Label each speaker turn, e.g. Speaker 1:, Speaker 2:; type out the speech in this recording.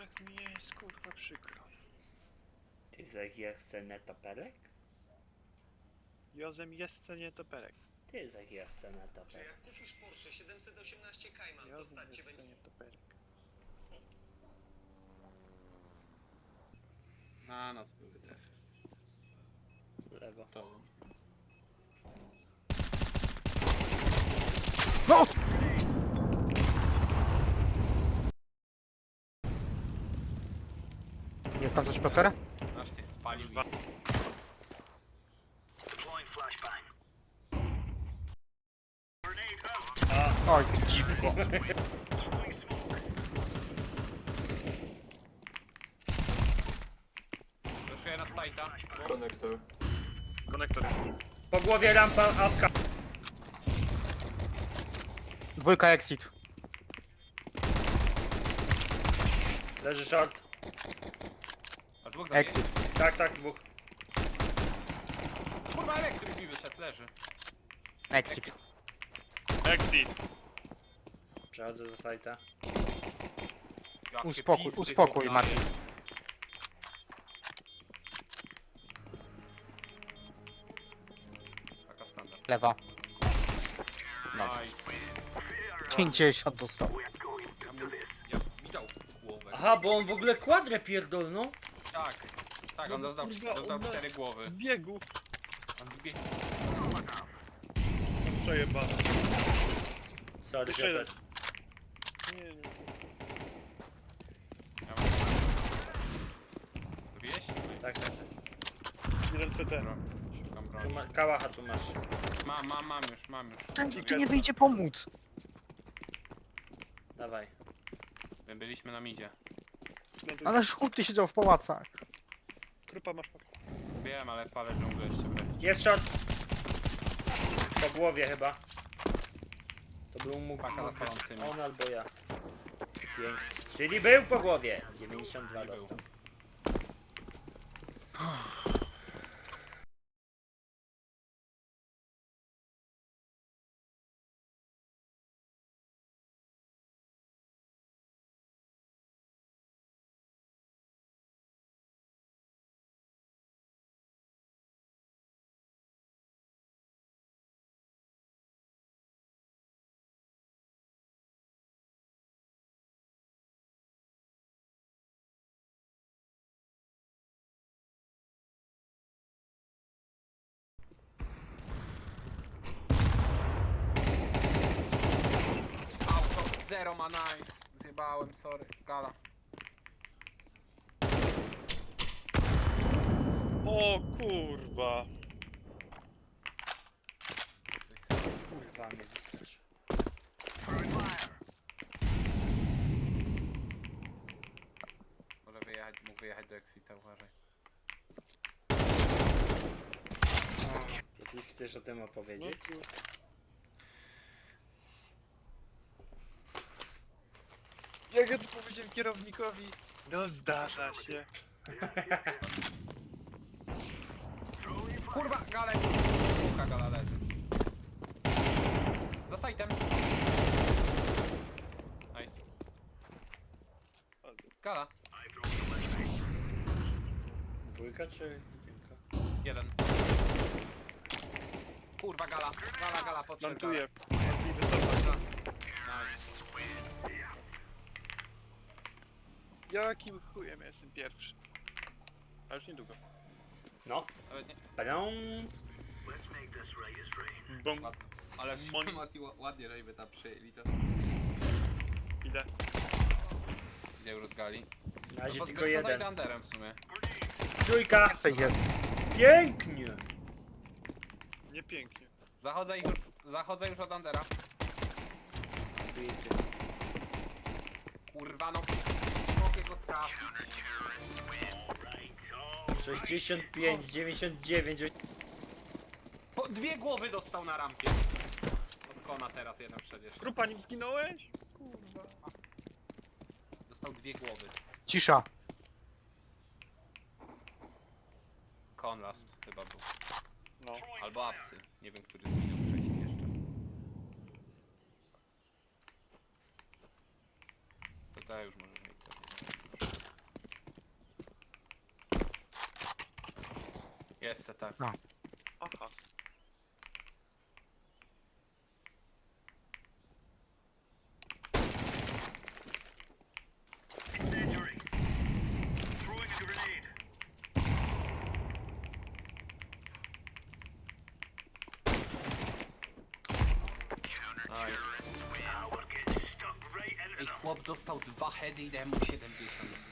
Speaker 1: Jak mi jest kurwa przykro.
Speaker 2: Ty zechce netoperek?
Speaker 1: Jozem jest nie toperek.
Speaker 2: Ty zechce
Speaker 3: Czy
Speaker 2: netoperek.
Speaker 3: jak kupisz Porsche 718 Cayman, to
Speaker 1: Jozem
Speaker 3: stać cię
Speaker 1: jest
Speaker 3: będzie...
Speaker 1: nie toperek.
Speaker 4: Na nas były te.
Speaker 2: Lewo.
Speaker 4: To.
Speaker 5: No! Jest tam coś, Piotr?
Speaker 4: Aż cię spalił.
Speaker 5: Oj, ty dziwko.
Speaker 4: Wyszuję nad sajta.
Speaker 3: Konektor.
Speaker 1: Konektor jest.
Speaker 2: Po głowie rampa, awka.
Speaker 5: Dwójka exit.
Speaker 2: Leży short.
Speaker 4: A dwóch zabiję.
Speaker 5: Exit.
Speaker 2: Tak, dwóch.
Speaker 4: Kurwa, elektryk mi wyszedł, leży.
Speaker 5: Exit.
Speaker 1: Exit!
Speaker 2: Przechodzę do sajta.
Speaker 4: Jakie
Speaker 5: Uspokój,
Speaker 4: pizdy
Speaker 5: uspokój,
Speaker 4: chłop
Speaker 5: Maciej.
Speaker 4: daje. Taka standard.
Speaker 5: Lewa.
Speaker 4: Nice.
Speaker 5: 50 dostał.
Speaker 4: Ja widział głowę.
Speaker 2: Aha, bo on w ogóle kwadrę pierdolną.
Speaker 4: Tak. Tak, on
Speaker 1: No,
Speaker 4: dostał,
Speaker 1: kurwa,
Speaker 4: dostał
Speaker 1: on nas-
Speaker 4: 4 głowy.
Speaker 1: Biegu!
Speaker 4: On zbie...
Speaker 1: Przejebane.
Speaker 2: Sorry,
Speaker 1: Jeszcze jeden.
Speaker 2: Piotr.
Speaker 1: Nie.
Speaker 4: Ja mam... Dobijeś?
Speaker 2: Tak.
Speaker 1: Jeden CT.
Speaker 4: Dobra, szukam
Speaker 2: Tu
Speaker 4: broni.
Speaker 2: kałacha tu masz.
Speaker 4: Mam już.
Speaker 5: Ten tu nie wyjdzie pomóc.
Speaker 2: Dawaj.
Speaker 4: My byliśmy na midzie.
Speaker 1: No,
Speaker 5: Ale żółty siedział w pałacach.
Speaker 1: Trupa masz.
Speaker 4: Wiem, ale palę dżunglę jeszcze wreszcie.
Speaker 2: Jest short. Po głowie chyba. To był mógł
Speaker 4: Paka za palącymi.
Speaker 2: on albo ja. Pięknie. Czyli był po głowie. 92
Speaker 4: Nie był.
Speaker 2: dostał.
Speaker 4: Auto, zero ma nice. Zjebałem, sorry. Gala.
Speaker 1: O kurwa!
Speaker 4: Coś
Speaker 2: Kurwa mnie wystraszy.
Speaker 4: może wyjechać, mógł wyjechać do Exita, uważaj.
Speaker 2: Jeśli chcesz o tym opowiedzieć?
Speaker 1: No, jak ja to powiedziałem kierownikowi? No zdarza się.
Speaker 4: Kurwa, gale! Dwójka gala leży. Za sajtem. Nice. Gala.
Speaker 2: Dwójka czy jedynka?
Speaker 4: Jeden. Kurwa, gala. Gala, podszedł.
Speaker 1: Plantuję. Plantuję wysoko.
Speaker 4: Nice.
Speaker 1: Jakim chujem ja jestem pierwszy? A już niedługo.
Speaker 2: No.
Speaker 4: Nawet nie.
Speaker 2: Pając.
Speaker 1: Bum.
Speaker 4: Ale
Speaker 1: Mon-
Speaker 4: Mati ładnie, żeśmy tam przyjęli to.
Speaker 1: Idę.
Speaker 4: Idę od gali.
Speaker 2: Na razie
Speaker 4: No,
Speaker 2: tylko
Speaker 4: za
Speaker 2: jeden.
Speaker 4: Underem w sumie.
Speaker 2: Trójka.
Speaker 5: Więcej jest.
Speaker 2: Pięknie.
Speaker 1: Nie pięknie.
Speaker 4: Zachodzę już od Undera. Kurwa, no. Mogę go trafić.
Speaker 2: 65, 99.
Speaker 4: Po dwie głowy dostał na rampie. Od kona teraz jeden przecież.
Speaker 1: Trupa nim zginąłeś? Kurwa.
Speaker 4: Dostał dwie głowy.
Speaker 5: Cisza.
Speaker 4: Kon last chyba był.
Speaker 1: No.
Speaker 4: Albo apsy. Nie wiem, który zginął wcześniej jeszcze. To już może mieć. Jest tak.
Speaker 1: Aha.
Speaker 4: Nice. Ej, chłop dostał 2 heady i dałem mu 70.